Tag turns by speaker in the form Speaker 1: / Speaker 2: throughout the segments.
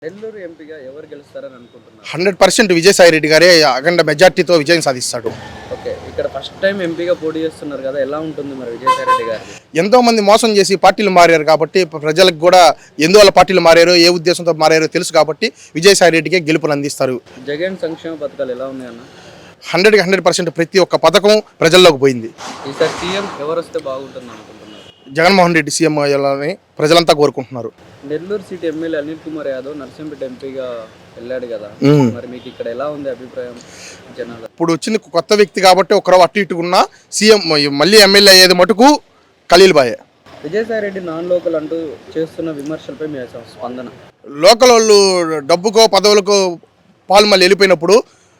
Speaker 1: నెల్లూరు ఎంపీగా ఎవరు గెలుస్తారని అనుకుంటున్నారు?
Speaker 2: 100% విజయసాయి రెడ్డి గారే అఖండ మెజార్టీతో విజయం సాధిస్తాడు.
Speaker 1: ఓకే, ఇక్కడ ఫస్ట్ టైం ఎంపీగా పోటీ చేస్తున్నారు కదా, ఎలా ఉంటుంది మరి విజయసాయి రెడ్డి గారు?
Speaker 2: ఎంతో మంది మోసం చేసి పార్టీలు మారారు కాబట్టి ప్రజలకు కూడా ఎందువల్ల పార్టీలు మారారో ఏ ఉద్దేశంతో మారారో తెలుసు కాబట్టి విజయసాయి రెడ్డికే గెలుపులు అందిస్తారు.
Speaker 1: జగన్ సంక్షేమ పథకాలు ఎలా ఉన్నాయన్న?
Speaker 2: 100% ప్రతి ఒక్క పథకం ప్రజల్లోకి పోయింది.
Speaker 1: ఈసారి సీఎం ఎవరు వస్తే బాగుంటుంది అనుకుంటున్నారు?
Speaker 2: జగన్మోహన్ రెడ్డి సీఎం అయ్యాలని ప్రజలంతా కోరుకుంటున్నారు.
Speaker 1: నెల్లూరు సీట్ ఎమ్మెల్యే అనిల్ కుమార్ యాదవ్ నర్సింపేట ఎంపీగా వెళ్ళాడు కదా, మరి మీకు ఇక్కడ ఎలా ఉంది అభిప్రాయం జనాలు?
Speaker 2: ఇప్పుడు వచ్చిన కొత్త వ్యక్తి కాబట్టి ఒకరు అటు ఇటుకున్న సీఎం మళ్ళీ ఎమ్మెల్యే అయ్యేది మటుకు ఖలీల్ బాయే.
Speaker 1: విజయసాయి రెడ్డి నాన్ లోకల్ అంటూ చేస్తున్న విమర్శలపై మీ స్పందన?
Speaker 2: లోకల్ వాళ్ళు డబ్బుకో పదవులకో పాలు మళ్ళీ వెళ్ళిపోయినప్పుడు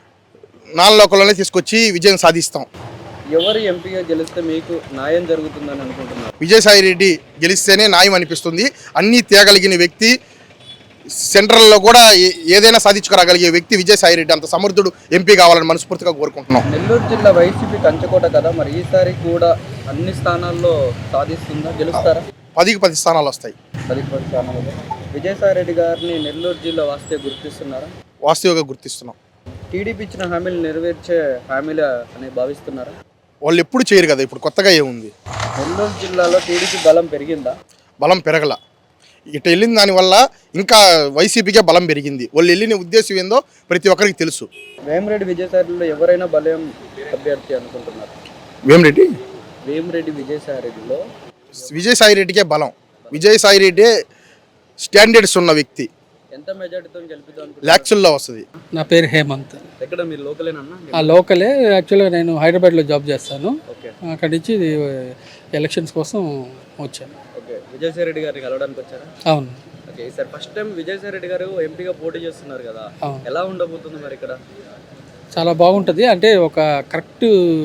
Speaker 2: నాన్ లోకల్లోనే తీసుకొచ్చి విజయం సాధిస్తాం.
Speaker 1: ఎవరు ఎంపీగా గెలిస్తే మీకు న్యాయం జరుగుతుందని అనుకుంటున్నారు?
Speaker 2: విజయసాయి రెడ్డి గెలిస్తేనే న్యాయం అనిపిస్తుంది. అన్నీ తేగలిగిన వ్యక్తి, సెంట్రల్లో కూడా ఏదైనా సాధించుకురాగలిగే వ్యక్తి విజయసాయి రెడ్డి. అంత సమర్థుడు ఎంపీ కావాలని మనస్ఫూర్తిగా కోరుకుంటున్నాం.
Speaker 1: నెల్లూరు జిల్లా వైసీపీ కంచకోట కదా, మరి ఈసారి కూడా అన్ని స్థానాల్లో సాధిస్తుందా, గెలుస్తారా?
Speaker 2: 10కి 10 స్థానాలు వస్తాయి.
Speaker 1: 10 స్థానాలు. విజయసాయి రెడ్డి గారిని నెల్లూరు జిల్లా వాస్తే గుర్తిస్తున్నారా?
Speaker 2: వాస్తవంగా గుర్తిస్తున్నాం.
Speaker 1: టీడీపీ ఇచ్చిన హామీలు నెరవేర్చే హామీలు అని భావిస్తున్నారా?
Speaker 2: వాళ్ళు ఎప్పుడు చేయరు కదా, ఇప్పుడు కొత్తగా ఏముంది?
Speaker 1: నెల్లూరు జిల్లాలో టీడీపీ బలం పెరిగిందా?
Speaker 2: బలం పెరగల. ఇటు వెళ్ళిన దానివల్ల ఇంకా వైసీపీకే బలం పెరిగింది. వాళ్ళు వెళ్ళిన ఉద్దేశం ఏందో ప్రతి ఒక్కరికి తెలుసు.
Speaker 1: వేమిరెడ్డి విజయసాయిరెడ్డిలో ఎవరైనా బలం అభ్యర్థి అనుకుంటున్నారు? వేమిరెడ్డి విజయసాయిరెడ్డిలో
Speaker 2: విజయసాయి రెడ్డికే బలం. విజయసాయి రెడ్డి స్టాండర్డ్స్ ఉన్న వ్యక్తి.
Speaker 1: ఎంత మెజార్టీతో గెలిపిద్దాం?
Speaker 2: లాక్సుల్లో వస్తుంది.
Speaker 3: నా పేరు హేమంత్.
Speaker 1: ఎక్కడ మీరు లోకలేనన్నా?
Speaker 3: లోకలే. యాక్చువల్గా నేను హైదరాబాద్లో జాబ్ చేస్తాను.
Speaker 1: ఓకే,
Speaker 3: అక్కడి నుంచి ఎలక్షన్స్ కోసం వచ్చాను.
Speaker 1: ఓకే, విజయసాయి రెడ్డి గారిని కలవడానికి వచ్చారా?
Speaker 3: అవును.
Speaker 1: ఓకే, ఈసారి ఫస్ట్ టైం విజయసాయి రెడ్డి గారు ఎంపీగా పోటీ చేస్తున్నారు కదా, ఎలా ఉండబోతుంది మరి ఇక్కడ?
Speaker 3: చాలా బాగుంటుంది. అంటే ఒక కరెక్ట్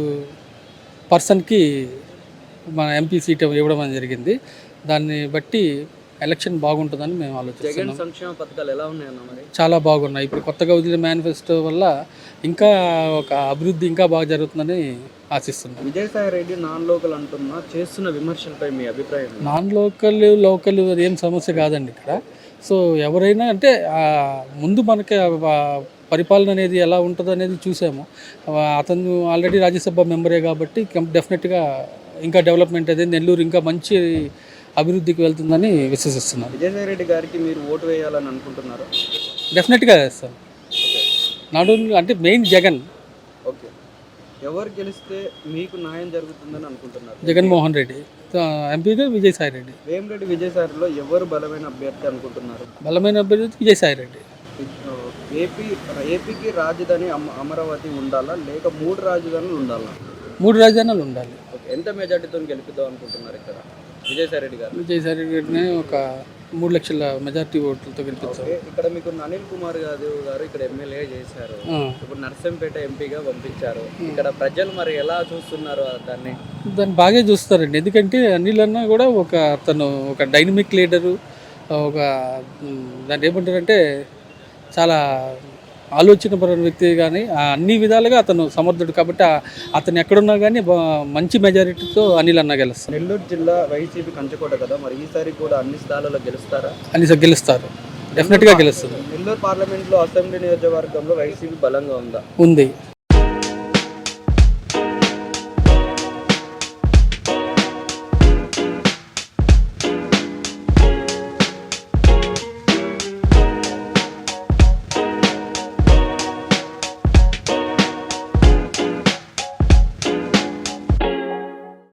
Speaker 3: పర్సన్కి మన ఎంపీ సీట్ ఇవ్వడం జరిగింది. దాన్ని బట్టి ఎలక్షన్ బాగుంటుందని మేము ఆలోచిస్తున్నాం.
Speaker 1: జగన్ సంక్షేమ పథకాలు ఎలా ఉన్నాయన్న మరి?
Speaker 3: చాలా బాగున్నాయి. ఇప్పుడు కొత్తగా వదిలిన మేనిఫెస్టో వల్ల ఇంకా ఒక అభివృద్ధి ఇంకా బాగా జరుగుతుందని ఆశిస్తున్నాం.
Speaker 1: విజయసాయి రెడ్డి నాన్ లోకల్ అంటున్నా చేస్తున్న విమర్శలపై మీ అభిప్రాయం?
Speaker 3: నాన్ లోకల్ అదేం సమస్య కాదండి ఇక్కడ. సో ఎవరైనా అంటే ముందు మనకి పరిపాలన అనేది ఎలా ఉంటుంది అనేది చూసాము. అతను ఆల్రెడీ రాజ్యసభ మెంబరే కాబట్టి డెఫినెట్గా ఇంకా డెవలప్మెంట్ అనేది నెల్లూరు ఇంకా మంచి అభివృద్ధికి వెళ్తుందని విశ్వసిస్తున్నాను.
Speaker 1: విజయసాయి రెడ్డి గారికి మీరు ఓటు వేయాలని అనుకుంటున్నారు?
Speaker 3: డెఫినెట్గా వేస్తాను. నాట్ ఓన్లీ అంటే మెయిన్ జగన్.
Speaker 1: ఓకే, ఎవరు గెలిస్తే మీకు న్యాయం జరుగుతుందని అనుకుంటున్నారు?
Speaker 3: జగన్మోహన్ రెడ్డి. ఎంపీగా విజయసాయి రెడ్డి.
Speaker 1: వేమిరెడ్డి విజయసాయిలో ఎవరు బలమైన అభ్యర్థి అనుకుంటున్నారు?
Speaker 3: బలమైన అభ్యర్థి విజయసాయి రెడ్డి.
Speaker 1: ఏపీకి రాజధాని అమరావతి ఉండాలా లేక 3 రాజధానులు ఉండాలా?
Speaker 3: 3 రాజధానులు ఉండాలి.
Speaker 1: ఓకే, ఎంత మెజార్టీతో గెలుపుదాం అనుకుంటున్నారు ఇక్కడ విజయసాయి రెడ్డి గారు?
Speaker 3: విజయసాయి రెడ్డిని ఒక 3 లక్షల మెజార్టీ ఓట్లతో గెలిపించారు.
Speaker 1: ఇక్కడ మీకు అనిల్ కుమార్ యాదవ్ గారు ఇక్కడ ఎమ్మెల్యే చేశారు, ఇప్పుడు నర్సంపేట ఎంపీగా పంపించారు. ఇక్కడ ప్రజలు మరి ఎలా చూస్తున్నారు దాన్ని
Speaker 3: బాగా చూస్తారండి. ఎందుకంటే అనిల్ అన్న కూడా తను ఒక డైనమిక్ లీడరు, ఒక దాన్ని ఏమంటారంటే చాలా ఆలోచనపరమైన వ్యక్తి. కానీ అన్ని విధాలుగా అతను సమర్థుడు కాబట్టి అతను ఎక్కడున్నా కానీ మంచి మెజారిటీతో అనిల్ అన్న గెలుస్తారు.
Speaker 1: నెల్లూరు జిల్లా వైసీపీ కంచకోట కదా, మరి ఈసారి కూడా అన్ని స్థానాల్లో గెలుస్తారా?
Speaker 3: గెలుస్తారు. డెఫినెట్గా గెలుస్తారు.
Speaker 1: నెల్లూరు పార్లమెంట్లో అసెంబ్లీ నియోజకవర్గంలో వైసీపీ బలంగా ఉంది.